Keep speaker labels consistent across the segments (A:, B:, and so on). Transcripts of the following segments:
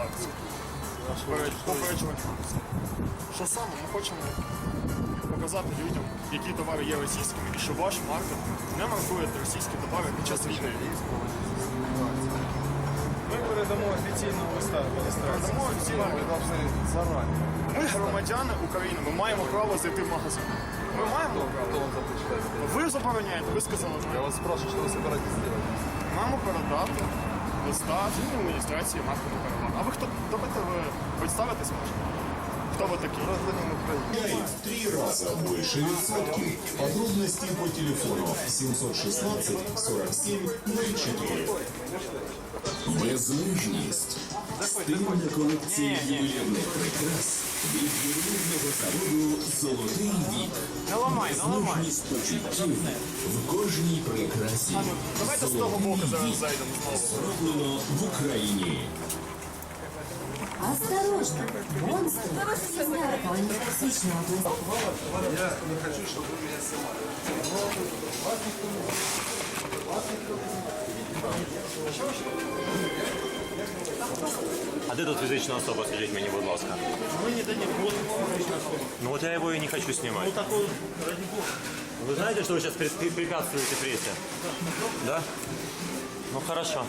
A: акцію. Попереджувальну акцію. Що саме? Ми хочемо показати людям, які товари є російськими, і що ваш маркет не маркує російські товари під час війни.
B: Ми передамо офіційного листа.
A: Передамо офіційно.
B: Зарані.
A: Ми громадяни України, ми маємо право зайти в магазин. Ми маємо право.
B: Кто вам запрещает?
A: Ви забороняєте, ви сказали,
B: Я вас спрашиваю, что вы собираетесь делать?
A: маємо передати листа з адміністрації маркету «Караван». А ви хто? Давайте ви представитись можете? Хто ви такі?
B: Гражданин Украины.
C: Теряет в 3 раза больше відсотків. Подробности по телефону 716 47 04. Безмежність. Стильна колекція ювелірних прикрас від ювелірного заводу «Золотий вік». Безмежність почуттів в кожній прикрасі.
A: Давайте з того боку зараз
C: «Золотий вік»
A: зайдемо знову.
C: зроблено в Україні.
D: Осторожно! Монстр! Наркотическая область.
B: Я не хочу, чтобы вы меня снимали.
E: А де тут фізична особа, скажіть мені, будь ласка?
A: Ми не дадим.
E: Ну вот я его и не хочу снимать. Вы знаете, что вы сейчас препятствуете прессе? Да? Ну хорошо.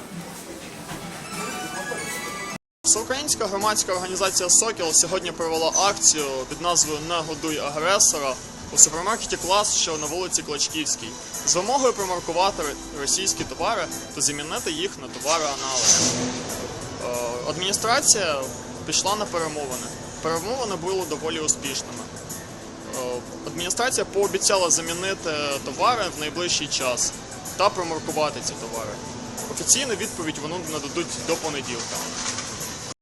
A: Всеукраїнська громадська організація «Сокіл» сьогодні провела акцію під назвою «Не годуй агресора» у супермаркеті «Клас», що на вулиці Клочківській, з вимогою промаркувати російські товари та замінити їх на товари-аналоги. Адміністрація пішла на перемовини. Перемовини були доволі успішними. Адміністрація пообіцяла замінити товари в найближчий час та промаркувати ці товари. Офіційну відповідь вони нададуть до понеділка.